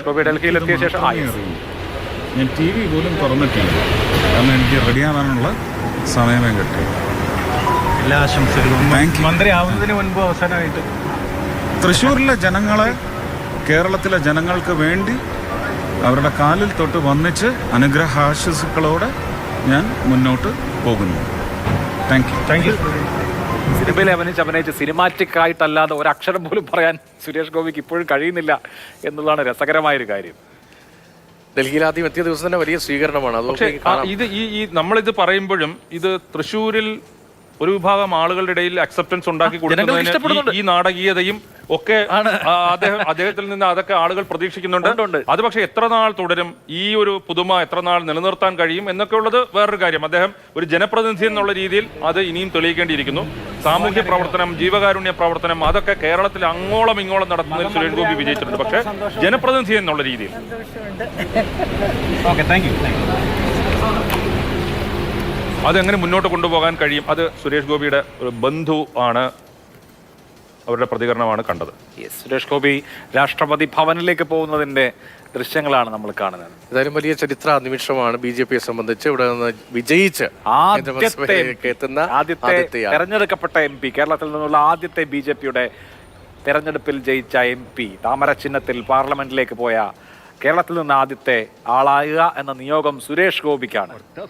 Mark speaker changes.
Speaker 1: ഗോപി ഡൽഹിയിലെത്തിയ ശേഷം
Speaker 2: ഞാൻ T V പോലും തുറന്നിട്ടില്ല, കാരണം എനിക്ക് റെഡിയാവാനുള്ള സമയമേ കിട്ടി.
Speaker 3: എല്ലാ ആശംസകളും. മന്ത്രി ആവുന്നതിന് മുൻപ് അവസാനമായിട്ട്
Speaker 2: തൃശ്ശൂരിലെ ജനങ്ങളെ കേരളത്തിലെ ജനങ്ങൾക്ക് വേണ്ടി അവരുടെ കാലിൽ തൊട്ട് വന്നിച്ച് അനുഗ്രഹാശംസകളോടെ ഞാൻ മുന്നോട്ട് പോകുന്നു. Thank you.
Speaker 1: സിനിമയിൽ അഭിനയിച്ച് സിനിമാറ്റിക് ആയിട്ടല്ലാതെ ഒരക്ഷരം പോലും പറയാൻ സുരേഷ് ഗോപിക്ക് ഇപ്പോഴും കഴിയുന്നില്ല എന്നുള്ളതാണ് രസകരമായൊരു കാര്യം.
Speaker 4: ഡൽഹിയിൽ ആദ്യം എത്തിയ ദിവസം തന്നെ വലിയ സ്വീകരണമാണ്.
Speaker 5: പക്ഷേ ഇത് ഈ നമ്മളിത് പറയുമ്പോഴും ഇത് തൃശ്ശൂരിൽ ഒരു വിഭാഗം ആളുകളുടെ ഇടയിൽ അക്സെപ്റ്റൻസ് ഉണ്ടാക്കി കൊടുക്കുന്നതിന് ഈ നാടകീയതയും ഒക്കെ അദ്ദേഹത്തിൽ നിന്ന് അതൊക്കെ ആളുകൾ പ്രതീക്ഷിക്കുന്നുണ്ട്. അത് പക്ഷേ എത്ര നാൾ തുടരും, ഈ ഒരു പുതുമ എത്ര നാൾ നിലനിർത്താൻ കഴിയും എന്നൊക്കെ ഉള്ളത് വേറൊരു കാര്യം. അദ്ദേഹം ഒരു ജനപ്രതിനിധി എന്നുള്ള രീതിയിൽ അത് ഇനിയും തെളിയിക്കേണ്ടിയിരിക്കുന്നു. സാമൂഹ്യ പ്രവർത്തനം, ജീവകാരുണ്യ പ്രവർത്തനം, അതൊക്കെ കേരളത്തിൽ അങ്ങോളം ഇങ്ങോളം നടത്തുന്നതിൽ സുരേഷ് ഗോപി വിജയിച്ചിട്ടുണ്ട്. പക്ഷേ ജനപ്രതിനിധി എന്നുള്ള രീതിയിൽ അതെങ്ങനെ മുന്നോട്ട് കൊണ്ടുപോകാൻ കഴിയും, അത് സുരേഷ് ഗോപിയുടെ ഒരു ബന്ധു ആണ്, അവരുടെ പ്രതികരണമാണ് കണ്ടത്.
Speaker 1: സുരേഷ് ഗോപി രാഷ്ട്രപതി ഭവനിലേക്ക് പോകുന്നതിന്റെ ദൃശ്യങ്ങളാണ് നമ്മൾ കാണുന്നത്.
Speaker 4: ഏതായാലും വലിയ ചരിത്ര നിമിഷമാണ് BJPയെ സംബന്ധിച്ച്. ഇവിടെ നിന്ന് വിജയിച്ച്
Speaker 1: ആദ്യത്തെ തെരഞ്ഞെടുക്കപ്പെട്ട MP, കേരളത്തിൽ നിന്നുള്ള ആദ്യത്തെ BJPയുടെ തെരഞ്ഞെടുപ്പിൽ ജയിച്ച MP, താമര ചിഹ്നത്തിൽ പാർലമെന്റിലേക്ക് പോയ കേരളത്തിൽ നിന്ന് ആദ്യത്തെ ആളാകുക എന്ന നിയോഗം സുരേഷ് ഗോപിക്കാണ്.